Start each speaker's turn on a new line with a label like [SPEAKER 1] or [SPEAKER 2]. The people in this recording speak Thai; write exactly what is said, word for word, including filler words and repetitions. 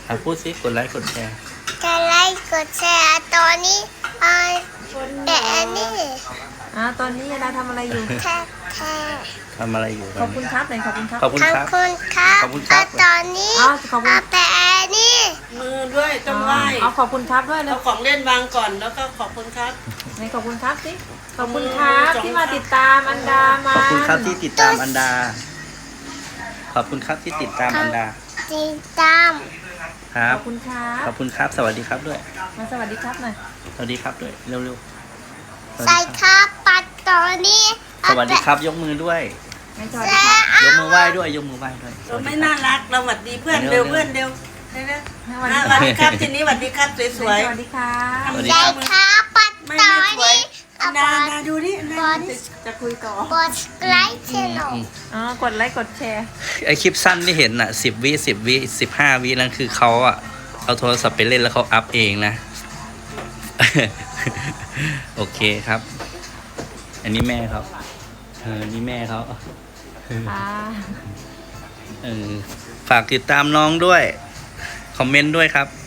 [SPEAKER 1] อ่ะพูดสิกดไลค์กดแชร์
[SPEAKER 2] กดไลค์กดแชร์ตอนนี้อ่าแต่อันนี้
[SPEAKER 3] อ่าตอนนี้ยาดาทำอะไรอยู่
[SPEAKER 2] แค่แค่
[SPEAKER 1] ทำอะไรอยู่
[SPEAKER 3] ขอบคุณครับหน่อยขอบคุณครับ
[SPEAKER 1] ขอบคุณ
[SPEAKER 2] ขอบ
[SPEAKER 1] ครับ
[SPEAKER 2] คุณครับ
[SPEAKER 1] ขอบคุณครับ
[SPEAKER 2] อ่าตอนนี้
[SPEAKER 3] อ๋อขอบคุณ
[SPEAKER 2] อ่าแต่อันนี้
[SPEAKER 4] มือด้วยต้องไหว้
[SPEAKER 3] เอาขอบคุณครับด้วยแล้
[SPEAKER 4] เอา
[SPEAKER 3] ว
[SPEAKER 4] ของเล่นวางก่อนแล้วก็ขอบคุณครับ
[SPEAKER 3] ไหนขอบคุณครับสิขอบคุณครับ
[SPEAKER 4] ขอบคุณ
[SPEAKER 3] ที่มาติดตามอันดามา
[SPEAKER 1] ขอบคุณครับที่ติดตามอันดา ขอบคุณครับที่ติดตามอันดา
[SPEAKER 2] ติดตาม
[SPEAKER 1] ครั
[SPEAKER 3] ข
[SPEAKER 1] บ
[SPEAKER 3] อบคุณครับ
[SPEAKER 1] ขอบคุณครับ สวัสดีครับด้วย
[SPEAKER 3] มาสวัสดีครับหน่อย
[SPEAKER 1] สวัสดีครับด้วย เร็วๆสวัส
[SPEAKER 2] ใส่
[SPEAKER 1] ดี
[SPEAKER 2] ค
[SPEAKER 1] ครับ
[SPEAKER 2] รับปัดตอนนี้
[SPEAKER 1] สวัสดีครับ ยกมือด้วย
[SPEAKER 3] ไหนสวัสดีครับ
[SPEAKER 1] ยกมือไหว้ด้วย ยกมือไหว้ด้วย
[SPEAKER 4] เราไม่น่ารักเราหวัดดีเพื่อน
[SPEAKER 1] เร็
[SPEAKER 4] เร็
[SPEAKER 1] ว
[SPEAKER 4] ว
[SPEAKER 1] ๆ
[SPEAKER 4] เพื่อนเร็วเร็วเร็ว
[SPEAKER 3] สวัส
[SPEAKER 4] อ่ะ
[SPEAKER 3] ดี
[SPEAKER 4] สวัส
[SPEAKER 3] ครับ
[SPEAKER 4] ดีครับทีนี้สวัสดีครับส
[SPEAKER 3] ส
[SPEAKER 4] วย
[SPEAKER 3] วัสดีครับ
[SPEAKER 1] สวัสดี
[SPEAKER 2] ใส่
[SPEAKER 1] ครับ
[SPEAKER 2] ครับปัด
[SPEAKER 4] ๆไม่
[SPEAKER 2] ตอ
[SPEAKER 4] ไม่
[SPEAKER 2] น
[SPEAKER 4] สวย
[SPEAKER 2] นี้อ่ะ
[SPEAKER 4] นา
[SPEAKER 2] ปัด
[SPEAKER 4] นาดูนี่นา
[SPEAKER 2] บอล
[SPEAKER 4] จะจะคุยต่อ
[SPEAKER 2] กดไลค์ชแนล
[SPEAKER 3] อ๋อกดไลค์กดแชร์
[SPEAKER 1] ไอคลิปสั้นที่เห็นอ่ะสิบวิสิบวิสิบห้าวินั่นคือเขาอ่ะ เอาโทรศัพท์ไปเล่นแล้วเขาอัพเองนะ โอเคครับ อันนี้แม่เขาเออนี่แม่เขา
[SPEAKER 3] อ่า
[SPEAKER 1] เออฝากติดตามน้องด้วย คอมเมนต์ด้วยครับ